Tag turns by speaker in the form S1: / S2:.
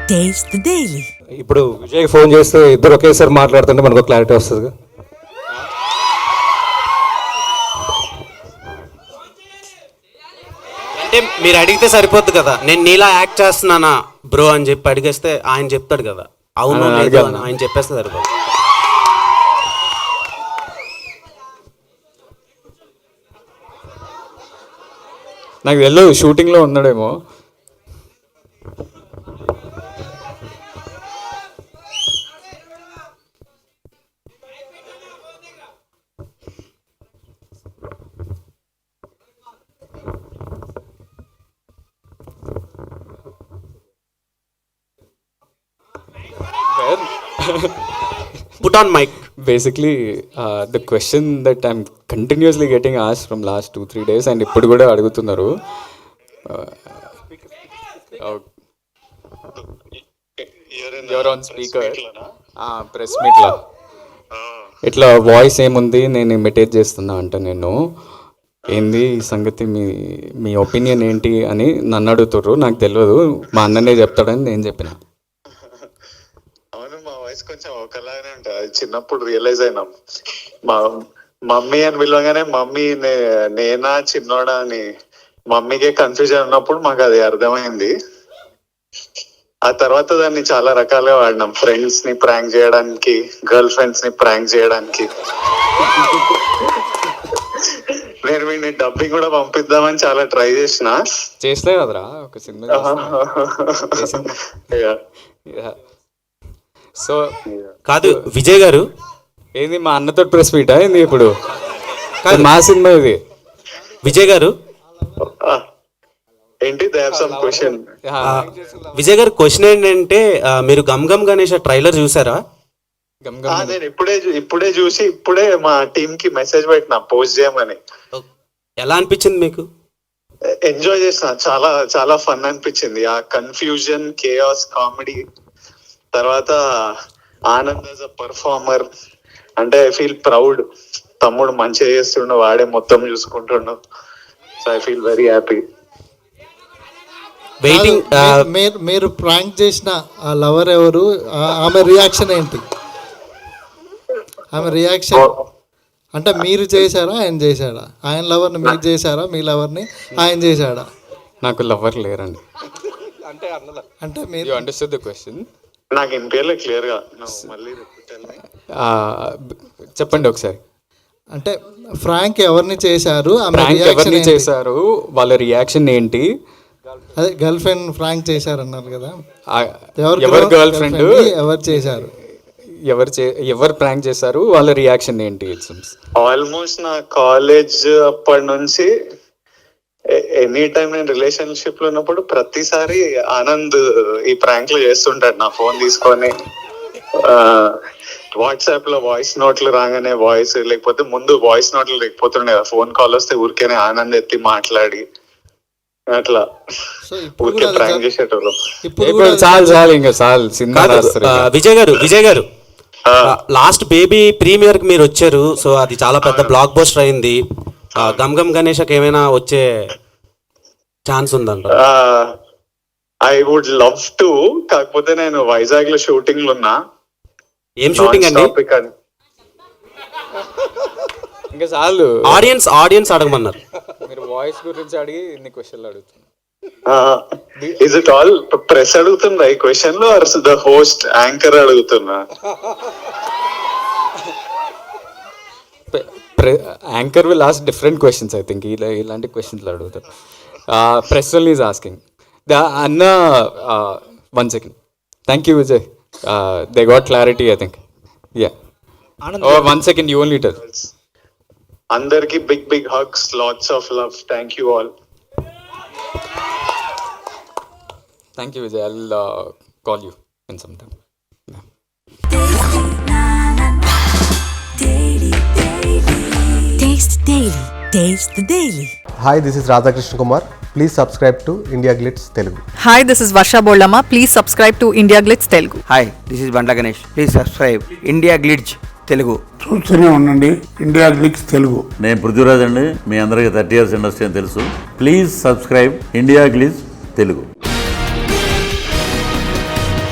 S1: Taste the Daily.
S2: ఇప్పుడు Vijay phone చేస్తే ఇద్దరు ఒకేసారి మాట్లాడుతుంటే మనకు క్లారిటీ వస్తుంది.
S3: అంటే మీరు అడిగితే సరిపోద్ది కదా, నేను నీలా యాక్ట్ చేస్తున్నానా బ్రో అని చెప్పి అడిగేస్తే ఆయన చెప్తాడు కదా, అవును లేదు అని ఆయన చెప్పేస్తే సరిపోద్ది.
S4: నాకు తెలియదు షూటింగ్లో ఉన్నాడేమో.
S3: Put on mic.
S4: Basically, the question that I'm continuously getting asked from last 2-3 days and ఇప్పుడు కూడా అడుగుతున్నారు. You're on speaker. ప్రెస్ మీట్లో ఇట్లా వాయిస్ ఏముంది, నేను ఇమిటేట్ చేస్తున్నా అంట. నేను ఏంది ఈ సంగతి, మీ ఒపీనియన్ ఏంటి అని నన్ను అడుగుతారు. నాకు తెలియదు, మా అన్ననే చెప్తాడని నేను చెప్పిన.
S5: కొంచెం ఒకలాగానే ఉంటుంది. అది చిన్నప్పుడు రియలైజ్ అయినాం. మా మమ్మీ అని పిలవగానే మమ్మీ నేనా చిన్నోడా అని మమ్మీకే కన్ఫ్యూజన్ ఉన్నప్పుడు మాకు అది అర్థమైంది. ఆ తర్వాత దాన్ని చాలా రకాలుగా వాడినాం. ఫ్రెండ్స్ ని ప్రాంక్ చేయడానికి, గర్ల్ ఫ్రెండ్స్ ని ప్రాంక్ చేయడానికి. నేను వీడిని డబ్బింగ్ కూడా పంపిద్దామని చాలా ట్రై
S4: చేస్తే కదరా ఒక సినిమా. సో
S3: కాదు విజయ్ గారు,
S4: ఏంది మా అన్నతో ప్రెస్ మీటా ఏంది ఇప్పుడు? మా సినిమా ఇది.
S3: విజయ్ గారు
S5: ఏంటి క్వశ్చన్?
S3: విజయ్ గారు క్వశ్చన్ ఏంటంటే, మీరు గమ్ గమ్ గణేష్ ట్రైలర్ చూసారా?
S5: నేను ఇప్పుడే చూసి ఇప్పుడే మా టీమ్ కి మెసేజ్ పెట్టినా పోస్ట్ చేయమని.
S3: ఎలా అనిపించింది మీకు?
S5: ఎంజాయ్ చేసిన, చాలా చాలా ఫన్ అనిపించింది. ఆ కన్ఫ్యూజన్, కేయాస్, కామెడీ, తర్వాత ఆనంద్ యాజ్ అ పర్ఫార్మర్. అంటే ఐ ఫీల్ ప్రౌడ్. తమ్ముడు మంచిగా చేస్తుండు, వాడే మొత్తం చూసుకుంటుండు. So I feel very happy.
S3: Waiting.
S6: మీరు ప్రాంక్ చేసిన ఆ లవర్ ఎవరు? ఆమె రియాక్షన్ ఏంటి? ఆమె రియాక్షన్ అంటే మీరు చేశారా, ఆయన చేశాడా? ఆయన లవర్ని మీరు చేశారా, మీ లవర్ని ఆయన చేశాడా?
S4: నాకు లవర్ లేరండి.
S6: అంటే మీరు
S4: అండర్స్టాండ్ ద క్వశ్చన్?
S5: నాకు ఇంపేర్లే క్లియర్ గా మళ్ళీ
S4: చెప్పండి ఒకసారి.
S6: అంటే ఫ్రాంక్ ఎవరిని చేశారు,
S4: ఎవరిని చేశారు, వాళ్ళ రియాక్షన్ ఏంటి?
S6: అదే గర్ల్ ఫ్రెండ్ ఫ్రాంక్ చేశారన్నారు కదా,
S4: ఎవరు గర్ల్ ఫ్రెండ్,
S6: ఎవరు చేశారు,
S4: ఎవరు ప్రాంక్ చేశారు, వాళ్ళ రియాక్షన్ ఏంటి?
S5: ఆల్మోస్ట్ నా కాలేజ్ అప్పటి నుంచి ఎనీ టైం నేను రిలేషన్షిప్ లో ఉన్నప్పుడు ప్రతిసారి ఆనంద్ ఈ ప్రాంక్ లో చేస్తుంటాడు. నా ఫోన్ తీసుకొని వాట్సాప్ లో వాయిస్ నోట్లు రాగానే వాయిస్, లేకపోతే ముందు వాయిస్ నోట్లు లేకపోతుండే, ఫోన్ కాల్ వస్తే ఊరికేనే ఆనంద్ ఎత్తి మాట్లాడి అట్లా ఊరికే ప్రాంక్ చేసేటోళ్ళు.
S3: విజయ్ గారు లాస్ట్ బేబీ ప్రీమియర్ కి మీరు వచ్చారు. సో అది చాలా పెద్ద బ్లాక్ బస్టర్ అయింది. గమ్ గమ్ గణేష్కి ఏమైనా వచ్చే ఛాన్స్ ఉందంట?
S5: I would love to. కాకపోతే నేను వైజాగ్ లో షూటింగ్ లో ఉన్నా.
S3: ఏం షూటింగ్ అండి?
S4: ఇంకా చాలు,
S3: ఆడియన్స్ అడగమన్నారు.
S4: మీరు వాయిస్ గురించి అడిగి ఇన్ని క్వశ్చన్లు అడుగుతున్నారు.
S5: ఇస్ ఇట్ ఆల్ ప్రెస్ అడుగుతుందా ఈ క్వశ్చన్ లో, ఆర్ ద హోస్ట్ యాంకర్ అడుగుతున్నా?
S4: Anchor will ask different questions. I think ఇలాంటి క్వశ్చన్లు అడుగుతారు. Press only is asking. అన్న 1 second. Thank you Vijay. They got clarity I think. Yeah 1 second, you only tell.
S5: అందరికి big big hugs, lots of love. Thank you all.
S4: Thank you Vijay. I'll call you in some time.
S1: Taste Daily. Taste the Daily.
S7: Hi, this is Radhakrishna Kumar. Please subscribe to India Glitz Telugu.
S8: Hi, this is Varsha Bollama. Please subscribe to India Glitz Telugu.
S9: Hi, this is Bandla Ganesh. Please subscribe India Glitz Telugu.
S10: చూస్తూనే ఉండండి India Glitz Telugu.
S11: నేను పృథ్వీరాజ్ అండి. మీ అందరికీ 30 years industry అని తెలుసు. Please subscribe India Glitz Telugu.